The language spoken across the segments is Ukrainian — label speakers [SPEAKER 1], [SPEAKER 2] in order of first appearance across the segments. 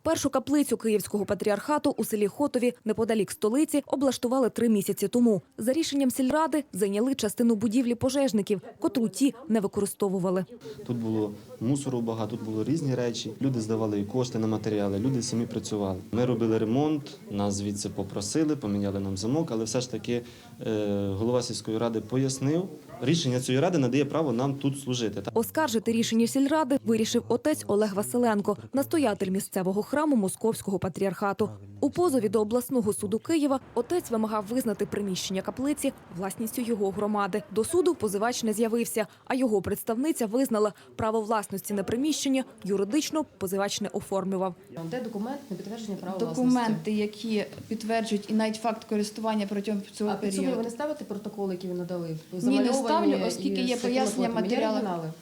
[SPEAKER 1] Першу каплицю Київського патріархату у селі Хотові, неподалік столиці, облаштували 3 місяці тому. За рішенням сільради зайняли частину будівлі пожежників, котру ті не використовували.
[SPEAKER 2] Тут було мусору багато, тут було різні речі. Люди здавали кошти на матеріали, люди самі працювали. Ми робили ремонт, нас звідси попросили, поміняли нам замок, але все ж таки голова сільської ради пояснив, рішення цієї ради надає право нам тут служити.
[SPEAKER 1] Оскаржити рішення сільради вирішив отець Олег Василенко, настоятель місцевого храму Московського патріархату. У позові до обласного суду Києва отець вимагав визнати приміщення каплиці власністю його громади. До суду позивач не з'явився, а його представниця визнала право власності на приміщення, юридично позивач не оформлював.
[SPEAKER 3] Де документ на підтвердження права власності?
[SPEAKER 4] Документи, які підтверджують і навіть факт користування протягом цього
[SPEAKER 3] А під собою
[SPEAKER 4] періоду.
[SPEAKER 3] ви не ставите протоколи, які ви надали?
[SPEAKER 4] Ні, не ставлю, оскільки є пояснення матеріалів.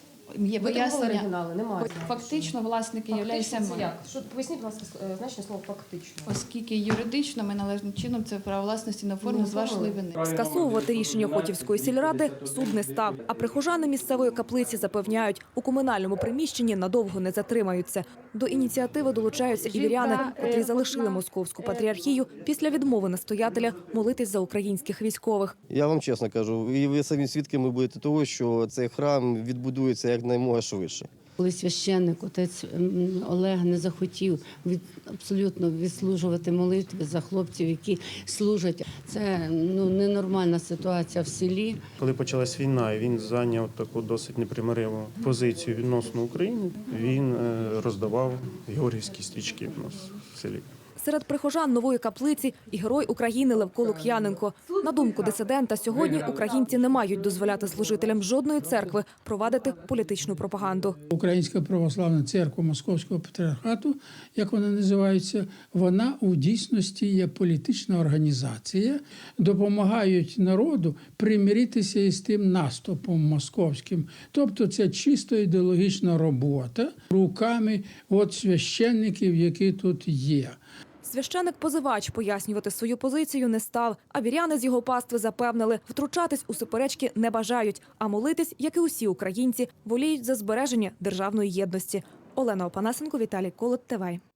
[SPEAKER 4] Є пояснення.
[SPEAKER 3] Оригінали, немає.
[SPEAKER 4] Фактично власники являються
[SPEAKER 3] Фактично це
[SPEAKER 4] ми.
[SPEAKER 3] як? Поясніть, будь ласка, значення слова «фактично».
[SPEAKER 4] Оскільки юридично ми належним чином це право власності не оформили з вашої вини.
[SPEAKER 1] Скасовувати рішення Хотівської сільради суд не став. А прихожани місцевої каплиці запевняють, у комунальному приміщенні надовго не затримаються. До ініціативи долучаються і віряни, котрі залишили Московську патріархію після відмови настоятеля молитись за українських військових.
[SPEAKER 5] Я вам чесно кажу, і ви самі свідками будете того, що цей храм відбудується якнаймога швидше.
[SPEAKER 6] Коли священник, отець Олег, не захотів абсолютно відслужувати молитви за хлопців, які служать, це ненормальна ситуація в селі.
[SPEAKER 7] Коли почалась війна, і він зайняв таку досить непримириву позицію відносно України, він роздавав георгіївські стрічки в нас в селі.
[SPEAKER 1] Серед прихожан нової каплиці і герой України Левко Лук'яненко. На думку дисидента, сьогодні українці не мають дозволяти служителям жодної церкви провадити політичну пропаганду.
[SPEAKER 8] Українська православна церква Московського патріархату, як вона називається, вона у дійсності є політична організація, допомагають народу примиритися із тим наступом московським. Тобто це чисто ідеологічна робота руками священників, які тут є.
[SPEAKER 1] Священик-позивач пояснювати свою позицію не став, а віряни з його пастви запевнили, втручатись у суперечки не бажають, а молитись, як і усі українці, воліють за збереження державної єдності. Олена Опанасенко, Віталій Колот, ТВ.